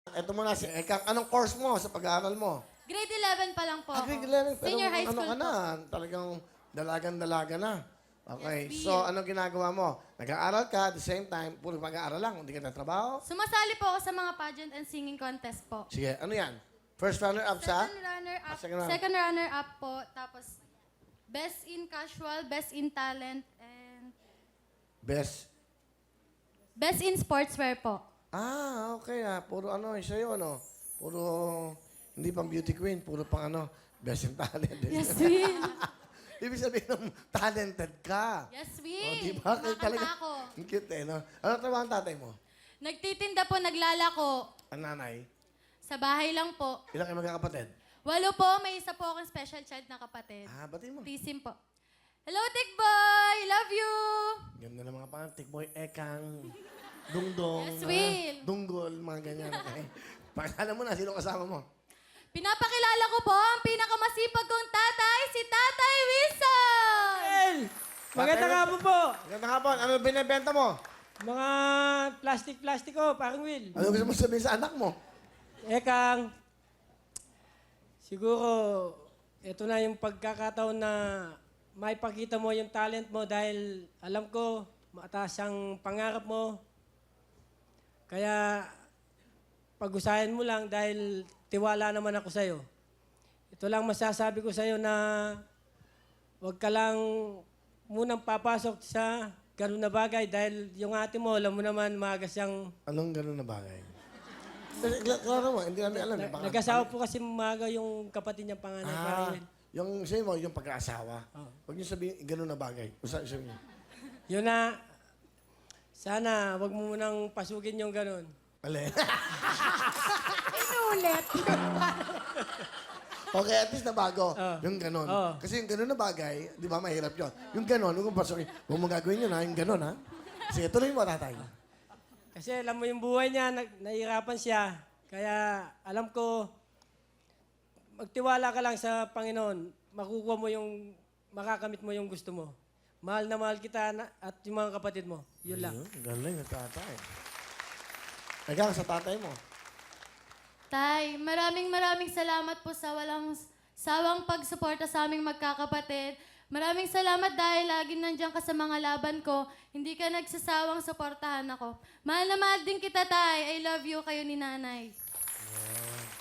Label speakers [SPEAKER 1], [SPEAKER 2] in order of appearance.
[SPEAKER 1] Eto muna, Ekang, anong course mo sa pag-aaral mo?
[SPEAKER 2] Grade 11 pa lang po ako.
[SPEAKER 1] Grade 11, pero
[SPEAKER 2] Senior high
[SPEAKER 1] ano
[SPEAKER 2] school
[SPEAKER 1] ka na,
[SPEAKER 2] po.
[SPEAKER 1] talagang dalagan-dalaga na. Okay,
[SPEAKER 2] Yes,
[SPEAKER 1] so
[SPEAKER 2] Bill.
[SPEAKER 1] anong ginagawa mo? Nag-aaral ka, at the same time, puro pag-aaral lang, hindi ka natrabaho?
[SPEAKER 2] Sumasali po ako sa mga pageant and singing contest po.
[SPEAKER 1] Sige, ano yan? First runner-up sa?
[SPEAKER 2] Second runner-up.
[SPEAKER 1] second round.
[SPEAKER 2] Second runner-up po. Tapos, best in casual, best in talent, and
[SPEAKER 1] Best.
[SPEAKER 2] best in sportswear po.
[SPEAKER 1] Ah, okay puro ano, sa'yo ano? Puro, hindi pang beauty queen, puro pang ano, best in talent.
[SPEAKER 2] Yes, Will.
[SPEAKER 1] Ibig sabihin ng talented ka.
[SPEAKER 2] Yes,
[SPEAKER 1] O,
[SPEAKER 2] Will.
[SPEAKER 1] di ba? Kaya
[SPEAKER 2] Kumakanta ako.
[SPEAKER 1] Ang cute no? Ano trabaho ang tatay mo?
[SPEAKER 2] Nagtitinda po, naglalako.
[SPEAKER 1] Ang nanay?
[SPEAKER 2] Sa bahay lang po.
[SPEAKER 1] Ilang kayo magkakapatid?
[SPEAKER 2] 8 po, may isa po akong special child na kapatid.
[SPEAKER 1] Batiin mo.
[SPEAKER 2] Tisim po. Hello, Tick Boy! Love you!
[SPEAKER 1] Ganda ng mga pangalan. Tikboy, Ekang, Dungdong.
[SPEAKER 2] Yes, Will.
[SPEAKER 1] Dunggol, mga ganyan. Okay. Pakilala mo na, sino kasama mo?
[SPEAKER 2] Pinapakilala ko po ang pinakamasipag kong tatay, si Tatay Wilson!
[SPEAKER 3] El! Magandang hapon po.
[SPEAKER 1] Magandang hapon. Ano binibenta mo?
[SPEAKER 3] Mga plastic ko, parang Will.
[SPEAKER 1] Ano gusto mo sabihin sa anak mo?
[SPEAKER 3] Ekang, siguro, ito na yung pagkakataon na maipakita mo yung talent mo dahil alam ko, mataas ang pangarap mo. Kaya, pag-usayan mo lang dahil tiwala naman ako sa'yo. Ito lang masasabi ko sa'yo na huwag ka lang munang papasok sa ganun na bagay dahil yung ate mo, alam mo naman, maaga siyang...
[SPEAKER 1] Anong gano'n na bagay? Klaro mo, hindi namin alam. Baka-
[SPEAKER 3] Nag-asawa po kasi maaga yung kapatid niya panganay. parang yun.
[SPEAKER 1] yung sabi mo, yung pag-aasawa. Huwag niyo sabihin, gano'n na bagay. Usa, sabi niyo.
[SPEAKER 3] Yun na, sana wag mo munang pasugin yung ganun.
[SPEAKER 1] Ali.
[SPEAKER 2] Inulit.
[SPEAKER 1] Okay, at least na bago. Yung gano'n.
[SPEAKER 3] Oo.
[SPEAKER 1] Kasi yung gano'n na bagay, di ba, mahirap yun. Yung gano'n, huwag mong pasukin. Huwag mo gagawin yun, ha? Yung gano'n, ha? Sige, tuloy mo, tatay.
[SPEAKER 3] Kasi alam mo yung buhay niya, nahihirapan siya. Kaya alam ko, magtiwala ka lang sa Panginoon. Makukuha mo yung, makakamit mo yung gusto mo. Mahal na mahal kita at yung mga kapatid mo. Yun lang.
[SPEAKER 1] Galing na tatay. Ikaw, sa tatay mo.
[SPEAKER 2] Tay, maraming salamat po sa walang sawang pagsuporta sa aming magkakapatid. Maraming salamat dahil lagi nandiyan ka sa mga laban ko. Hindi ka nagsasawang suportahan ako. Mahal na mahal din kita, Tay. I love you, kayo ni Nanay.